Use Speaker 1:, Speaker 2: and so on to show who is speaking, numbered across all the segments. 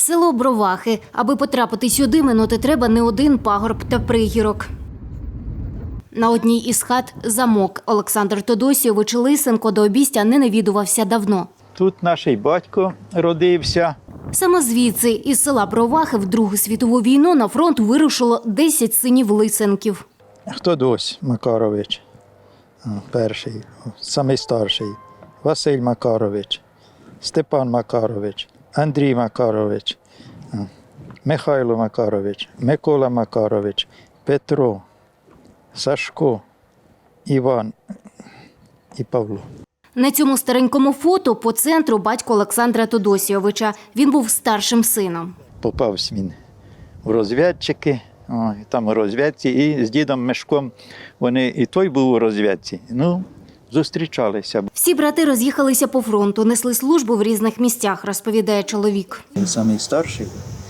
Speaker 1: Село Бровахи. Аби потрапити сюди, минути треба не один пагорб та пригірок. На одній із хат – замок. Олександр Тодосійович Лисенко до обістя не навідувався давно.
Speaker 2: Тут наш батько родився.
Speaker 1: Саме звідси, із села Бровахи, в Другу світову війну на фронт вирушило 10 синів Лисенків.
Speaker 2: Тодось Макарович, перший, самий старший, Василь Макарович, Степан Макарович, Андрій Макарович, Михайло Макарович, Микола Макарович, Петро, Сашко, Іван і Павло.
Speaker 1: На цьому старенькому фото по центру батько Олександра Тодосійовича. Він був старшим сином.
Speaker 2: Попався він в розвідчики, там у розвідці, і з дідом Мишком вони, і той був у розвідці. Зустрічалися.
Speaker 1: Всі брати роз'їхалися по фронту, несли службу в різних місцях, розповідає чоловік.
Speaker 2: Він самий старший,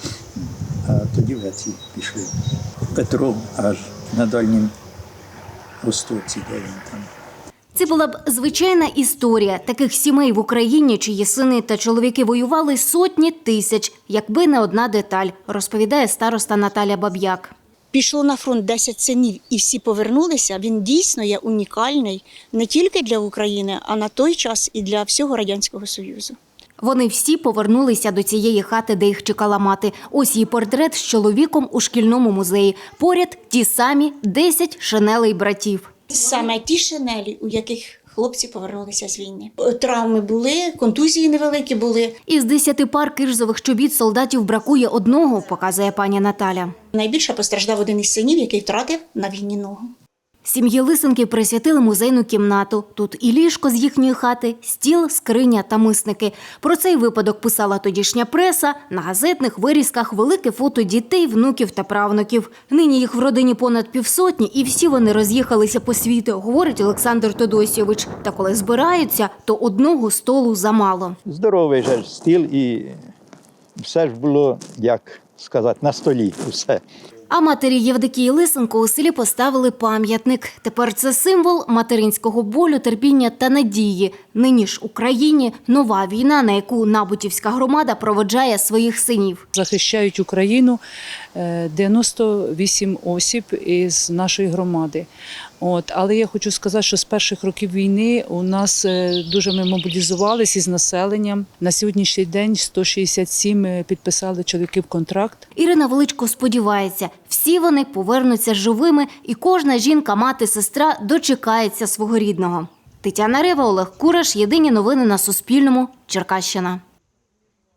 Speaker 2: а тоді в ці пішли. Петро аж на Дальнім Востоці, де він там.
Speaker 1: Це була б звичайна історія таких сімей в Україні, чиї сини та чоловіки воювали сотні тисяч, якби не одна деталь, розповідає староста Наталя Баб'як.
Speaker 3: Пішло на фронт 10 синів і всі повернулися, він дійсно є унікальний не тільки для України, а на той час і для всього Радянського Союзу.
Speaker 1: Вони всі повернулися до цієї хати, де їх чекала мати. Ось її портрет з чоловіком у шкільному музеї. Поряд ті самі 10 шинелей братів.
Speaker 3: Саме ті шинелі, у яких хлопці повернулися з війни. Травми були, контузії невеликі були.
Speaker 1: Із 10 пар кирзових чобіт солдатів бракує одного, показує пані Наталя.
Speaker 3: Найбільше постраждав один із синів, який втратив на війні ногу.
Speaker 1: Сім'ї Лисенків присвятили музейну кімнату. Тут і ліжко з їхньої хати, стіл, скриня та мисники. Про цей випадок писала тодішня преса. На газетних вирізках велике фото дітей, внуків та правнуків. Нині їх в родині понад 500 і всі вони роз'їхалися по світу, говорить Олександр Тодосійович. Та коли збираються, то одного столу замало.
Speaker 2: Здоровий же стіл і все ж було, як сказати, на столі усе.
Speaker 1: А матері Євдокії Лисенко у селі поставили пам'ятник. Тепер це символ материнського болю, терпіння та надії. Нині ж Україні нова війна, на яку Набутівська громада проводжає своїх синів.
Speaker 4: Захищають Україну 98 осіб із нашої громади. Але я хочу сказати, що з перших років війни у нас дуже ми мобілізувалися із населенням. На сьогоднішній день 167 підписали чоловіків контракт.
Speaker 1: Ірина Величко сподівається, всі вони повернуться живими і кожна жінка, мати, сестра дочекається свого рідного. Тетяна Рева, Олег Кураш. Єдині новини на Суспільному. Черкащина.